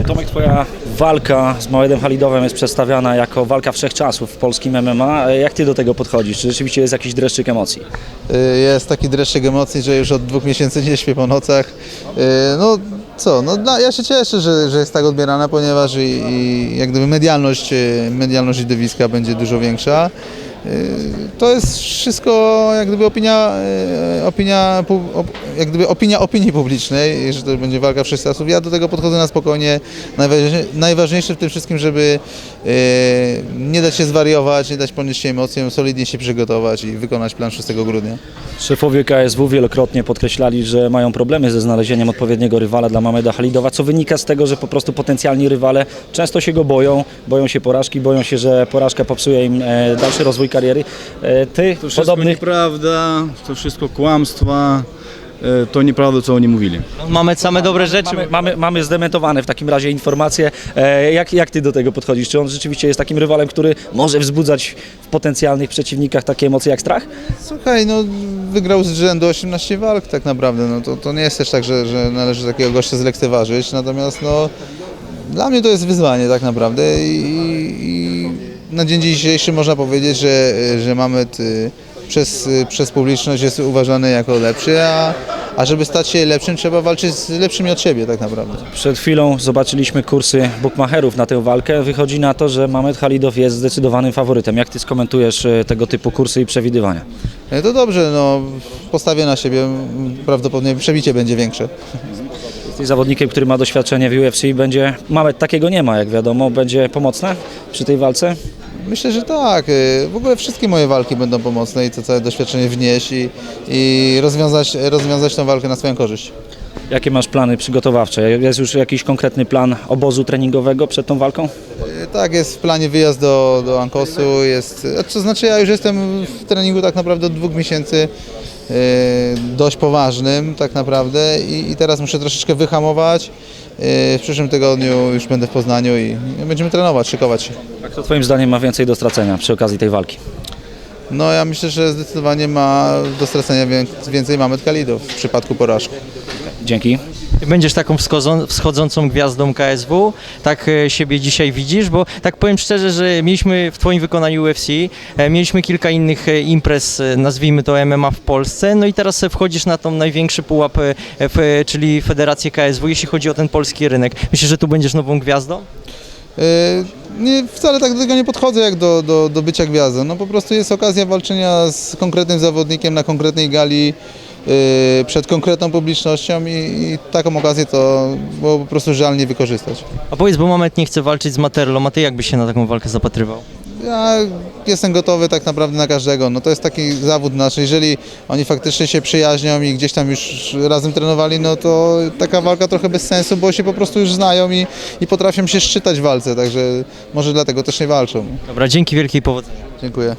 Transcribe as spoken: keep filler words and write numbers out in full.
Tomek, twoja walka z Małedem Halidowem jest przedstawiana jako walka wszechczasów w polskim M M A. Jak ty do tego podchodzisz? Czy rzeczywiście jest jakiś dreszczyk emocji? Jest taki dreszczyk emocji, że już od dwóch miesięcy nie śpię po nocach. No co, no dla, ja się cieszę, że, że jest tak odbierana, ponieważ i, i jak gdyby medialność, medialność widowiska będzie dużo większa. To jest wszystko jak gdyby opinia, opinia, jak gdyby opinia opinii publicznej, że to będzie walka wszechczasów. Ja do tego podchodzę na spokojnie. Najważniejsze w tym wszystkim, żeby nie dać się zwariować, nie dać ponieść się emocjom, solidnie się przygotować i wykonać plan szóstego grudnia. Szefowie K S W wielokrotnie podkreślali, że mają problemy ze znalezieniem odpowiedniego rywala dla Małeda Halidowa, co wynika z tego, że po prostu potencjalni rywale często się go boją, boją się porażki, boją się, że porażka popsuje im dalszy rozwój kariery. Ty, To wszystko podobnych... nieprawda, to wszystko kłamstwa, to nieprawda, co oni mówili. Mamy same dobre rzeczy. Mamy, mamy, mamy zdementowane w takim razie informacje. E, jak, jak ty do tego podchodzisz? Czy on rzeczywiście jest takim rywalem, który może wzbudzać w potencjalnych przeciwnikach takie emocje jak strach? Słuchaj, no wygrał z rzędu osiemnaście walk tak naprawdę, no to, to nie jest też tak, że, że należy takiego gościa zlekceważyć, natomiast no dla mnie to jest wyzwanie tak naprawdę i, i na dzień dzisiejszy można powiedzieć, że, że Mamed przez, przez publiczność jest uważany jako lepszy, a, a żeby stać się lepszym, trzeba walczyć z lepszymi od siebie tak naprawdę. Przed chwilą zobaczyliśmy kursy bukmacherów na tę walkę. Wychodzi na to, że Małed Halidow jest zdecydowanym faworytem. Jak ty skomentujesz tego typu kursy i przewidywania? To dobrze, no postawię na siebie, prawdopodobnie przebicie będzie większe. Jesteś zawodnikiem, który ma doświadczenie w U F C, będzie, Małed takiego nie ma, jak wiadomo, będzie pomocne przy tej walce? Myślę, że tak. W ogóle wszystkie moje walki będą pomocne i to całe doświadczenie wnieść i, i rozwiązać, rozwiązać tę walkę na swoją korzyść. Jakie masz plany przygotowawcze? Jest już jakiś konkretny plan obozu treningowego przed tą walką? Tak, jest w planie wyjazd do, do Ankosu. Jest, to znaczy ja już jestem w treningu tak naprawdę od dwóch miesięcy. Dość poważnym tak naprawdę i, i teraz muszę troszeczkę wyhamować. W przyszłym tygodniu już będę w Poznaniu i będziemy trenować, szykować się. A kto twoim zdaniem ma więcej do stracenia przy okazji tej walki? No ja myślę, że zdecydowanie ma do stracenia więcej Małed Halidow w przypadku porażki. Dzięki. Będziesz taką wschodzącą gwiazdą K S W, tak siebie dzisiaj widzisz, bo tak powiem szczerze, że mieliśmy w twoim wykonaniu U F C, mieliśmy kilka innych imprez, nazwijmy to M M A w Polsce, no i teraz wchodzisz na tą największy pułap, czyli Federację K S W, jeśli chodzi o ten polski rynek. Myślisz, że tu będziesz nową gwiazdą? Nie, wcale tak do tego nie podchodzę jak do, do, do bycia gwiazdą. No po prostu jest okazja walczenia z konkretnym zawodnikiem na konkretnej gali przed konkretną publicznością i, i taką okazję to było po prostu żal nie wykorzystać. A powiedz, bo Mamed nie chce walczyć z Materlą, a ty jak byś się na taką walkę zapatrywał? Ja jestem gotowy tak naprawdę na każdego. No to jest taki zawód nasz. Jeżeli oni faktycznie się przyjaźnią i gdzieś tam już razem trenowali, no to taka walka trochę bez sensu, bo się po prostu już znają i, i potrafią się szczytać w walce, także może dlatego też nie walczą. Dobra, dzięki wielkiej powodzenia. Dziękuję.